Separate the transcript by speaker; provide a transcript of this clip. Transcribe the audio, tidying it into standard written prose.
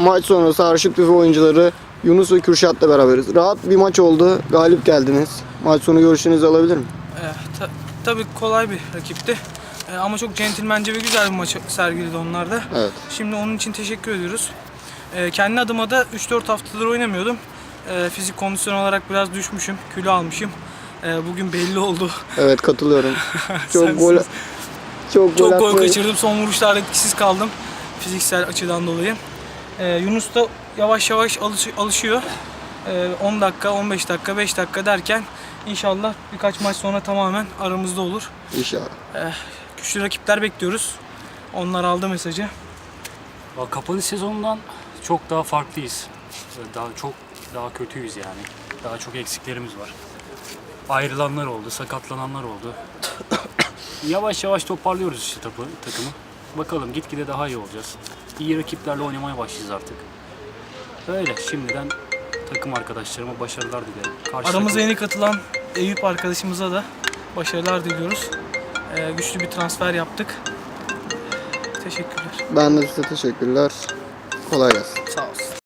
Speaker 1: maç sonrası Arşit Büfe oyuncuları Yunus ve Kürşat'la beraberiz. Rahat bir maç oldu. Galip geldiniz. Maç sonu görüşlerinizi alabilir miyim?
Speaker 2: Tabii kolay bir rakipti. Ama çok centilmence ve güzel bir maç sergiledi onlar da.
Speaker 1: Evet.
Speaker 2: Şimdi onun için teşekkür ediyoruz. Kendi adıma da 3-4 haftadır oynamıyordum. Fizik kondisyon olarak biraz düşmüşüm, kilo almışım. Bugün belli oldu.
Speaker 1: Evet, katılıyorum. Çok
Speaker 2: Sensiz.
Speaker 1: gol
Speaker 2: Çok gol
Speaker 1: atmayı-
Speaker 2: kaçırdım. Son vuruşlarda etkisiz kaldım. Fiziksel açıdan dolayı. Yunus da yavaş yavaş alışıyor. 10 dakika, 15 dakika, 5 dakika derken inşallah birkaç maç sonra tamamen aramızda olur.
Speaker 1: İnşallah.
Speaker 2: Güçlü rakipler bekliyoruz. Onlar aldı mesajı.
Speaker 3: Kapalı sezondan çok daha farklıyız. Çok daha kötüyüz yani. Daha çok eksiklerimiz var. Ayrılanlar oldu, sakatlananlar oldu. Yavaş yavaş toparlıyoruz işte takımı. Bakalım gitgide daha iyi olacağız. İyi rakiplerle oynamaya başlayacağız artık. Öyle şimdiden takım arkadaşlarıma başarılar dilerim.
Speaker 2: Aramıza yeni katılan Eyüp arkadaşımıza da başarılar diliyoruz. Güçlü bir transfer yaptık. Teşekkürler.
Speaker 1: Ben de size teşekkürler. Kolay gelsin.
Speaker 2: Sağ olsun.